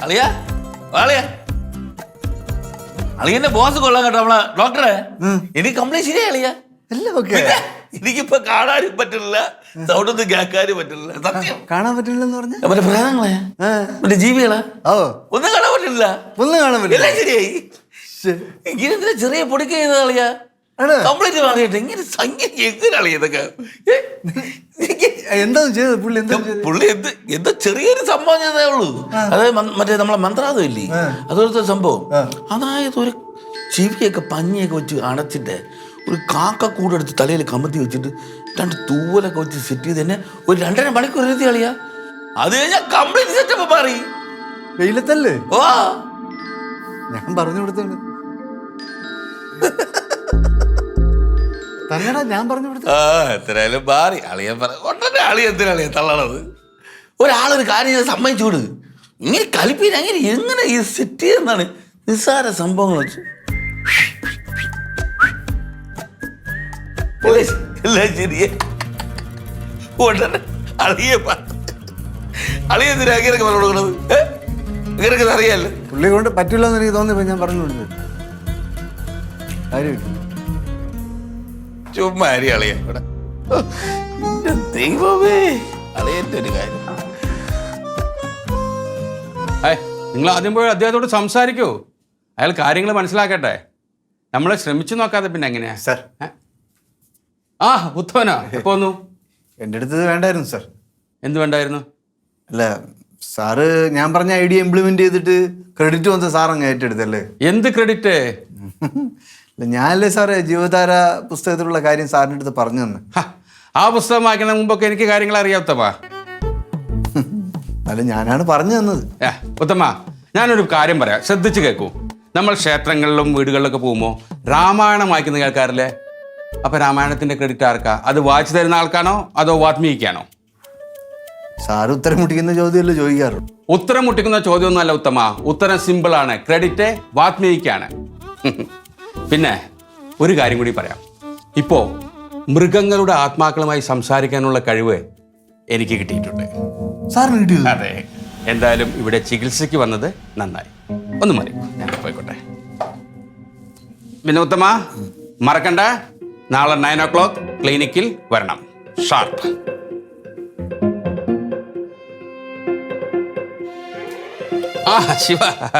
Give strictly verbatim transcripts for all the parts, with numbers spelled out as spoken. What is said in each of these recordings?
അളിയാ അളിയാ അളിയന്റെ ബോസ് കൊള്ളാൻ കേട്ടോ നമ്മളെ ഡോക്ടറെ. എനിക്ക് കംപ്ലൈന്റ് ശരിയാ അളിയാ. എനിക്കിപ്പോ കാണാനും പറ്റില്ല, സൗണ്ടൊന്നും കേൾക്കാനും പറ്റില്ല. സത്യം കാണാൻ പറ്റില്ലെന്ന് പറഞ്ഞ മറ്റേ പ്രേതങ്ങളെ മറ്റേ ജീവികളെ ഓ ഒന്നും കാണാൻ പറ്റില്ല. ഒന്നും കാണാൻ പറ്റില്ല. ശരിയായി. ഇങ്ങനെ ചെറിയ പൊടിക്ക് ചെയ്ത കളിയാ കംപ്ലീറ്റ് മാറിയിട്ട് ഇങ്ങനെ സംഖ്യ എങ്ങനെ അളിയ ഇതൊക്കെ എന്താ ചെയ്തത് പുള്ളി? എന്താ പുള്ളി എന്ത് എന്തോ ചെറിയൊരു സംഭവം ചെയ്തേ ഉള്ളൂ. അതായത് മറ്റേ നമ്മളെ മന്ത്രാതം ഇല്ലേ, അതൊരു സംഭവം. അതായത് ഒരു ചെവിയൊക്കെ പഞ്ഞിയൊക്കെ വെച്ച് അടച്ചിട്ട് ഒരു കാക്ക കൂടെടുത്ത് തലയിൽ കമത്തി വെച്ചിട്ട് രണ്ട് തൂവലൊക്കെ വെച്ച് സെറ്റ് ചെയ്ത് തന്നെ ഒരു രണ്ടര മണിക്കൂർ എഴുതി കളിയാ. അത് കഴിഞ്ഞാൽ കംപ്ലീറ്റ് സെറ്റപ്പ് മാറി. വെയിലത്തല്ലേ? ഓ ഞാൻ പറഞ്ഞു കൊടുത്താണ്. തന്നെടാ ഞാൻ പറഞ്ഞു കൊടുത്തു. ആ എത്രയായാലും മാറി അളിയൻ പറ ഒട്ടനെ അളിയ എന്തിനാളിയ തള്ളണത്. ഒരാളൊരു കാര്യം സമ്മതിച്ചൂട്. ഇങ്ങനെ കളിപ്പീര് അങ്ങനെ എങ്ങനെ ഈ സെറ്റ് ചെയ്യുന്നതാണ് നിസ്സാര സംഭവങ്ങൾ വെച്ച്. എല്ലാം ശരിയെ ഉടനെ അളിയ അളിയ എന്തിനാ അങ്ങനെയൊക്കെ പറഞ്ഞു കൊടുക്കണത്? ഇങ്ങനെയൊക്കെ അറിയാല്ലേ പുള്ളി കൊണ്ട് പറ്റില്ല എന്ന് എനിക്ക് തോന്നിയപ്പോ ഞാൻ പറഞ്ഞു കൊടുത്തത്. കാര്യം ചുമ്മാ അരി അളിയ ഇവിടെ. ദൈവമേ അളിയന്റെ ഒരു കാര്യം. നിങ്ങൾ ആദ്യം പോയി അദ്ദേഹത്തോട് സംസാരിക്കൂ. അയാൾ കാര്യങ്ങൾ മനസ്സിലാക്കട്ടെ. നമ്മളെ ശ്രമിച്ചു നോക്കാതെ പിന്നെ എങ്ങനെയാ സാർ? ആ ഉത്തമനാ എപ്പോ വന്നു? എൻ്റെ അടുത്ത് വേണ്ടായിരുന്നു സാർ. എന്ത് വേണ്ടായിരുന്നു? അല്ല സാറ് ഞാൻ പറഞ്ഞ ഐഡിയ ഇംപ്ലിമെന്റ് ചെയ്തിട്ട് ക്രെഡിറ്റ് വന്ന സാർ അങ്ങ് ഏറ്റെടുത്തല്ലേ? എന്ത് ക്രെഡിറ്റ്? അല്ല ഞാനല്ലേ സാറേ ജീവധാര പുസ്തകത്തിലുള്ള കാര്യം സാറിൻ്റെ അടുത്ത് പറഞ്ഞു തന്നെ. ആ പുസ്തകം വായിക്കുന്ന മുമ്പൊക്കെ എനിക്ക് കാര്യങ്ങൾ അറിയാത്തപ്പാ. അല്ല ഞാനാണ് പറഞ്ഞു തന്നത്. ഏ ഉത്തമ, ഞാനൊരു കാര്യം പറയാം, ശ്രദ്ധിച്ച് കേൾക്കൂ. നമ്മൾ ക്ഷേത്രങ്ങളിലും വീടുകളിലൊക്കെ പോകുമ്പോൾ രാമായണം വായിക്കുന്ന കേൾക്കാറില്ലേ? അപ്പൊ രാമായണത്തിന്റെ ക്രെഡിറ്റ് ആർക്കാ? അത് വായിച്ചു തരുന്ന ആൾക്കാണോ അതോ വാത്മീകിക്കാണോ? സാറ് ഉത്തരം മുട്ടിക്കുന്ന ചോദ്യമല്ലേ ചോദിക്കാറുള്ളൂ. ഉത്തരം മുട്ടിക്കുന്ന ചോദ്യമൊന്നുമല്ല ഉത്തമ, ഉത്തരം സിമ്പിൾ ആണ്. ക്രെഡിറ്റ് വാത്മീകിക്കാണ്. പിന്നെ ഒരു കാര്യം കൂടി പറയാം. ഇപ്പോ മൃഗങ്ങളുടെ ആത്മാക്കളുമായി സംസാരിക്കാനുള്ള കഴിവ് എനിക്ക് കിട്ടിയിട്ടുണ്ട്. സാറിന് കിട്ടിയത്? അതെ. എന്തായാലും ഇവിടെ ചികിത്സയ്ക്ക് വന്നത് നന്നായി. ഒന്ന് മതി, ഞാൻ പോയിക്കോട്ടെ. പിന്നെ ഉത്തമ മറക്കണ്ട, നാളെ നയൻ ഓ ക്ലോക്ക് ക്ലിനിക്കിൽ വരണം, ഷാർപ്പ്. ആ ശിവ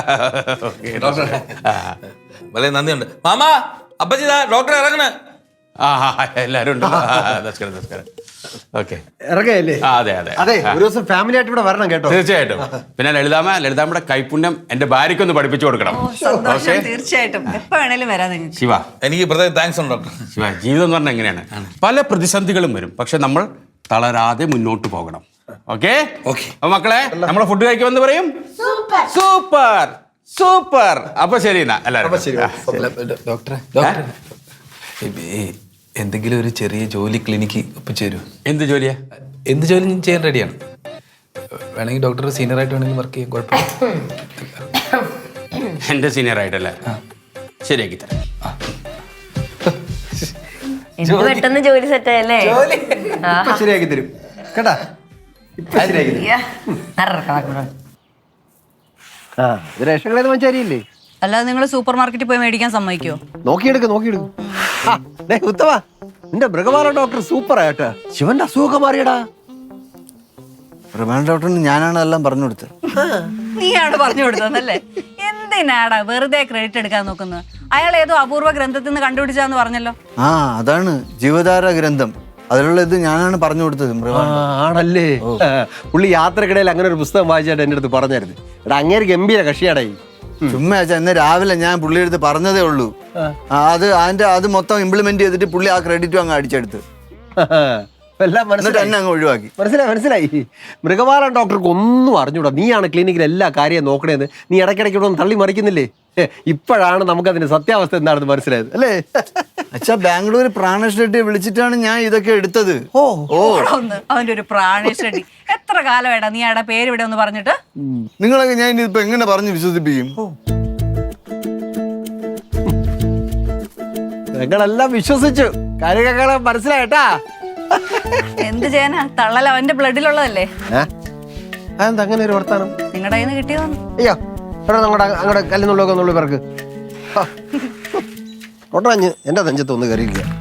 വളരെ നന്ദിയുണ്ട് മാമാ. അപ്പച്ചി ഡോക്ടർ ഇറങ്ങണ. ആ എല്ലാരും ഉണ്ട്. നമസ്കാരം നമസ്കാരം. ഓക്കെ ഇറങ്ങയല്ലേ? അതെ അതെ അതെ, ഒരു ദിവസം ഫാമിലി ആയിട്ട് ഇവിടെ വരണം കേട്ടോ. തീർച്ചയായിട്ടും. പിന്നെ ലളിതാമ്മ ലളിതാമ്മയുടെ കൈപുണ്യം എന്റെ ഭാര്യയ്ക്കൊന്ന് പഠിപ്പിച്ചു കൊടുക്കണം. സന്തോഷം, തീർച്ചയായിട്ടും എപ്പോ വേണേലും വരാം നിങ്ങൾക്ക്. ശിവ എനിക്ക് പ്രത്യേകം താങ്ക്സ് ഉണ്ട് ഡോക്ടർ. ശിവ, ജീവിതം എന്ന് പറഞ്ഞാൽ എങ്ങനെയാണ്, പല പ്രതിസന്ധികളും വരും, പക്ഷെ നമ്മൾ തളരാതെ മുന്നോട്ട് പോകണം. Okay okay. അപ്പൊ മക്കളെ, നമ്മളെ ഫുഡ് കഴിക്കുമെന്ന് പറയും. Super super. അപ്പൊ ശരി എന്നാ എല്ലാവരും. ഡോക്ടറെ ഡോക്ടറെ എന്തെങ്കിലും ഒരു ചെറിയ ജോലി ക്ലിനിക്ക് ഒപ്പിച്ചേരൂ. എന്ത് ജോലിയാ? എന്ത് ജോലി ഞാൻ ചെയ്യാൻ റെഡിയാണ്. വേണമെങ്കിൽ ഡോക്ടർ സീനിയർ ആയിട്ട് വേണമെങ്കിൽ വർക്ക് ചെയ്യാൻ കുഴപ്പമില്ല. എന്റെ സീനിയർ ആയിട്ടല്ലേ? ശരിയാക്കി തരാം. പെട്ടെന്ന് ജോലി സെറ്റ് ആയല്ലേ? ശരിയാക്കി തരും കേട്ടാ. ഇപ്പൊ ശരിയാക്കി തരും. ആ ഇത് റേഷൻ കടയിൽ മഞ്ചാരിയില്ലേ? അല്ലാതെ നിങ്ങൾ സൂപ്പർ മാർക്കറ്റിൽ പോയി മേടിക്കാൻ സമ്മതിക്കോ? നോക്കിയെടുക്ക് നോക്കിയെടുക്കും. ഉത്തമ, നിന്റെ മൃഗപാല ഡോക്ടർ സൂപ്പർ ആയിട്ടാ. ശിവന്റെ അസുഖമൊക്കെ മാറിയടാ. പ്രധാന ഡോക്ടറിന് ഞാനാണ് എല്ലാം പറഞ്ഞു കൊടുത്തത്. നീയാണ് പറഞ്ഞു കൊടുത്തതല്ലേ? എന്തിനാടാ വെറുതെ ക്രെഡിറ്റ് എടുക്കാൻ നോക്കുന്നത്? അയാൾ ഏതോ അപൂർവ ഗ്രന്ഥത്തിൽ നിന്ന് കണ്ടുപിടിച്ചാന്ന് പറഞ്ഞല്ലോ. ആ അതാണ് ജീവധാര ഗ്രന്ഥം. അതിലുള്ള ഇത് ഞാനാണ് പറഞ്ഞു കൊടുത്തത്. ആണല്ലേ? പുള്ളി യാത്രക്കിടയിൽ അങ്ങനെ ഒരു പുസ്തകം വായിച്ചായിട്ട് എൻ്റെ അടുത്ത് പറഞ്ഞായിരുന്നു. എടാ അങ്ങേര് ഗംഭീര കക്ഷിയാടായി. ചുമ്മാ ഇന്ന് രാവിലെ ഞാൻ പുള്ളിയുടെ അടുത്ത് പറഞ്ഞതേ ഉള്ളൂ. അത് അതിന്റെ അത് മൊത്തം ഇംപ്ലിമെന്റ് ചെയ്തിട്ട് പുള്ളി ആ ക്രെഡിറ്റും അങ്ങ് അടിച്ചെടുത്ത് എല്ലാം മനസ്സിലായി അങ്ങ് ഒഴിവാക്കി. മനസ്സിലായി മനസ്സിലായി. മൃഗപാലൻ ഡോക്ടർക്ക് ഒന്നും അറിഞ്ഞൂടാ. നീയാണ് ക്ലിനിക്കിൽ എല്ലാ കാര്യവും നോക്കണേന്ന് നീ ഇടയ്ക്കിടയ്ക്ക് ഒന്ന് തള്ളി മറിക്കുന്നില്ലേ? ഇപ്പോഴാണ് നമുക്കതിന്റെ സത്യാവസ്ഥ എന്താണെന്ന് മനസ്സിലായത് അല്ലേ? അച്ഛാ ബാംഗ്ലൂർ പ്രാണേഷ് റെഡ്ഡിയെ വിളിച്ചിട്ടാണ് ഞാൻ ഇതൊക്കെ എടുത്തത്. ഓ ഓ അവന്റെ ഒരു പ്രാണേഷ് റെഡ്ഡി. എത്ര കാലമായിട്ടാ നീ അയാളുടെ പേര് ഇവിടെ ഒന്ന് പറഞ്ഞിട്ട്? നിങ്ങളൊക്കെ ഞാൻ ഇനിയിപ്പോ എങ്ങനെ പറഞ്ഞു വിശ്വസിപ്പിക്കും? ഞങ്ങളെല്ലാം വിശ്വസിച്ചു. കാര്യങ്ങളെ മനസ്സിലായിട്ടാ. എന്ത് ചെയ്യാനാ, തള്ളൽ അവന്റെ ബ്ലഡിലുള്ളതല്ലേ. അതെന്താ അങ്ങനെ ഒരു വർത്താനം? നിങ്ങളുടെ കയ്യിൽ നിന്ന് കിട്ടിയതാണ്. അയ്യോ എടാ അങ്ങോട്ട് അങ്ങോട്ട് കല്ലുന്നുള്ളൊക്കെ ഒന്നുള്ള പേർക്ക് ഒട്ടഞ്ഞ് എൻ്റെ നെഞ്ചത്ത് ഒന്ന് കയറിയിരിക്കുക.